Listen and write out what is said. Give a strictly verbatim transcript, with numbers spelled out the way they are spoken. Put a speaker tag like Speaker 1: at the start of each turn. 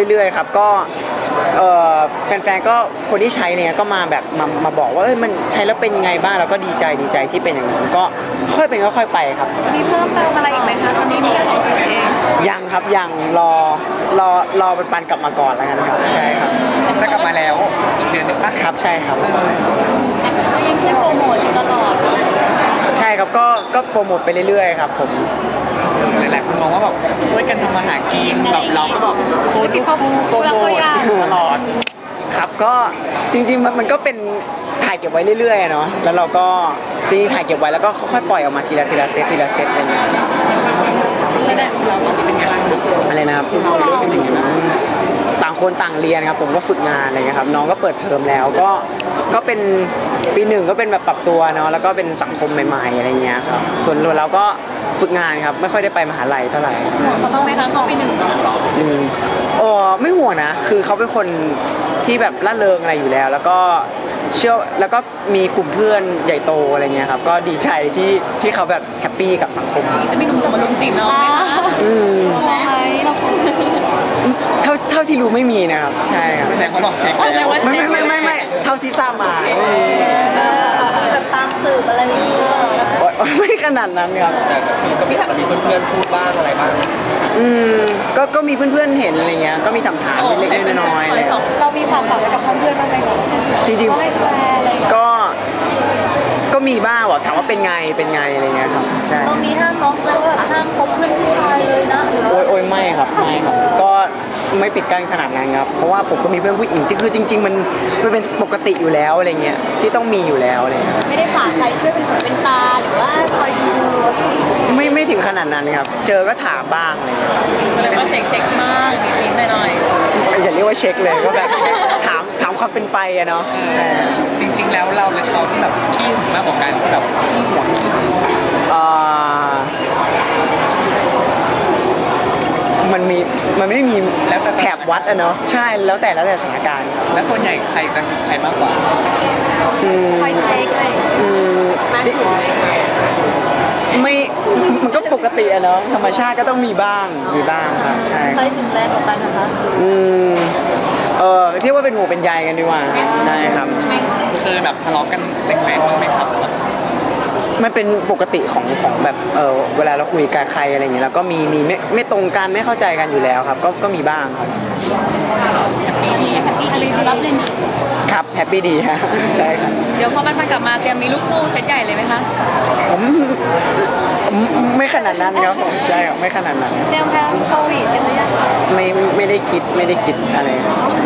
Speaker 1: เรื่อยๆครับก็เออแฟนๆก็คนที่ใช้เนี่ยก็มาแบบมามาบอกว่าเอ้ยมันใช้แล้วเป็นยังไงบ้างเราก็ดีใจดีใจที่เป็นอย่างนั้นก็ค่อยเป็นค่อยๆไปครับ
Speaker 2: มีเพิ่มเติมอะไรอีกไหมคะตอนนี้มีแค่สองคนเอง
Speaker 1: ยังครับยังรอรอรอปันๆกลับมาก่อนแล้วกันครับใช่ครับ
Speaker 3: จะกลับมาแล้วอีกเดือนนึงปะ
Speaker 1: ครับใช่ครับ
Speaker 2: ยังใช้โปรโมทอยู่ตลอด
Speaker 1: ใช่ครับก็ก็โปรโมทไปเรื่อยๆครับผม
Speaker 3: หลายๆคนมองว่าแบบช่วยกันทำมาหากินแบบเราก็แบบโพสต์รูปคู่โปรโมทตลอด
Speaker 1: ครับก็จริงๆมันมันก็เป็นถ่ายเก็บไว้เรื่อยๆเนาะแล้วเราก็จริงๆถ่ายเก็บไว้แล้วก็ค่อยๆปล่อยออกมาทีละทีละเซตทีละเซตอะไรเงี้ย
Speaker 3: เราตอนนี้เป็นไงบ้าง
Speaker 1: อะไรนะครับต่างคนต่างเรียนครับผมก็ฝึกงานอะไรเงี้ยครับน้องก็เปิดเทอมแล้วก็ก็เป็นปีหนึ่งก็เป็นแบบปรับตัวเนาะแล้วก็เป็นสังคมใหม่ๆอะไรเงี้ยครับส่วนเราก็ฝึกงานครับไม่ค่อยได้ไปมหาลัยเท่าไหร่
Speaker 2: เขาต้องไหมคะเขาปีหนึ่ง
Speaker 1: อืมโอ้ไม่ห่วงนะคือเขาเป็นคนที่แบบร่าเริงอะไรอยู่แล้ว แล้วก็เชื่อแล้วก็มีกลุ่มเพื่อนใหญ่โตอะไรเงี้ยครับก็ดีใจที่ที่เขาแบบแฮปปี้กับสังคม
Speaker 2: จะมีหนุ่มจะมาลุมจีบน้องไหมคะ
Speaker 1: อืมเท่าเท่าที่รู้ไม่มีนะครับใช่ครับ
Speaker 3: แสดงว่าเราเช็ค
Speaker 1: ไม่ไม่ไม่ไม่ไม่เท่าที่ทราบมา
Speaker 2: แบบตามสืบอะไรอย่างเงี้ย
Speaker 1: ไม่ขนาดนั้นครับ
Speaker 3: แต่คือก็มีอาจจะมีเพื่อนๆพูดบ้างอะไรบ้าง
Speaker 1: อืมก็ก็มีเพื่อนๆเห็นอะไรเงี้ยก็มีถามถามเล็กๆน้อยๆเลย
Speaker 2: เรามีความฝันกับเพื่อนๆบ้างไหม
Speaker 1: จริงๆก็ก็มีบ้างบอกถามว่าเป็นไงเป็นไงอะไรเงี้ยครับใช่
Speaker 2: เรามีห้ามน้องแล้วว่าห้ามคบเพื่อนผู้ชายเลยนะ
Speaker 1: โอ้ยโอ้ยไม่ครับไม่ครับก็ไม่ปิดกั้นขนาดนั้นครับเพราะว่าผมก็มีเพื่อนผู้หญิงที่คือจริงๆมันมันเป็นปกติอยู่แล้วอะไรเงี้ยที่ต้องมีอยู่แล้วอะไรเงี้ย
Speaker 2: ไม่ได้ฝากใครช่วยเป็นหูเป็นตาหรือว่าคอยดู
Speaker 1: ไม่ไม่ถึงขนาดนั้นครับเจอก็ถามบ้างอะไรเงี้ย
Speaker 2: แสดงว่าเช็คเช็คมากนิดๆหน่อย
Speaker 1: ๆอย่าเรียกว่าเช็คเลยก็แบบถามถามความเป็นไปอะเนาะใช่
Speaker 3: จริงๆแล้วเราและเขาที่แบบขี้หึงมากกว่ากันแบบขี้หวงขี้หึง
Speaker 1: อ่ามันมีมันไม่มี
Speaker 3: แล้วแต่
Speaker 1: แถบวัดอะเนาะใช่แล้วแต่แล้วแต่สถานการณ์ครับ
Speaker 3: แล้วส่วนใหญ่ใครจะใครมากกว่า
Speaker 2: คอยเช็คเลย
Speaker 1: อืมไม่มันก็ปกติอะเนาะธรรมชาติก็ต้องมีบ้างมีบ้างครับใช่
Speaker 2: ใครถึงแรงกว่ากันนะคะ
Speaker 1: อืมเออที่ว่าเป็นหัวเป็นใยกันดีกว่าใช่ครับ
Speaker 3: เคยแบบทะเลาะกันแรงๆบ้างไหมครับ
Speaker 1: มันเป็นปกติของของแบบเออเวลาเราคุยกับใครอะไรอย่างเงี้ยแล้วก็มีมีไม่ไม่ตรงกันไม่เข้าใจกันอยู่แล้วครับก็ก็มีบ้างครับ
Speaker 2: แฮปปี้ดีแฮปปี้ดีรับเลยนี่
Speaker 1: ครับแฮปปี้ดีฮะใช่ครับ
Speaker 2: เดี๋ยวพอมันกลับมาเตรียมมีลูกคู่เซตใหญ่เลยไหมคะ
Speaker 1: ผมไม่ขนาดนั้นครับผมใช่ครับไม่ขนาดนั้น
Speaker 2: เตรียมแพลนโควิดกันหรือยัง
Speaker 1: ไม่ไม่ได้คิดไม่ได้คิดอะไรใช่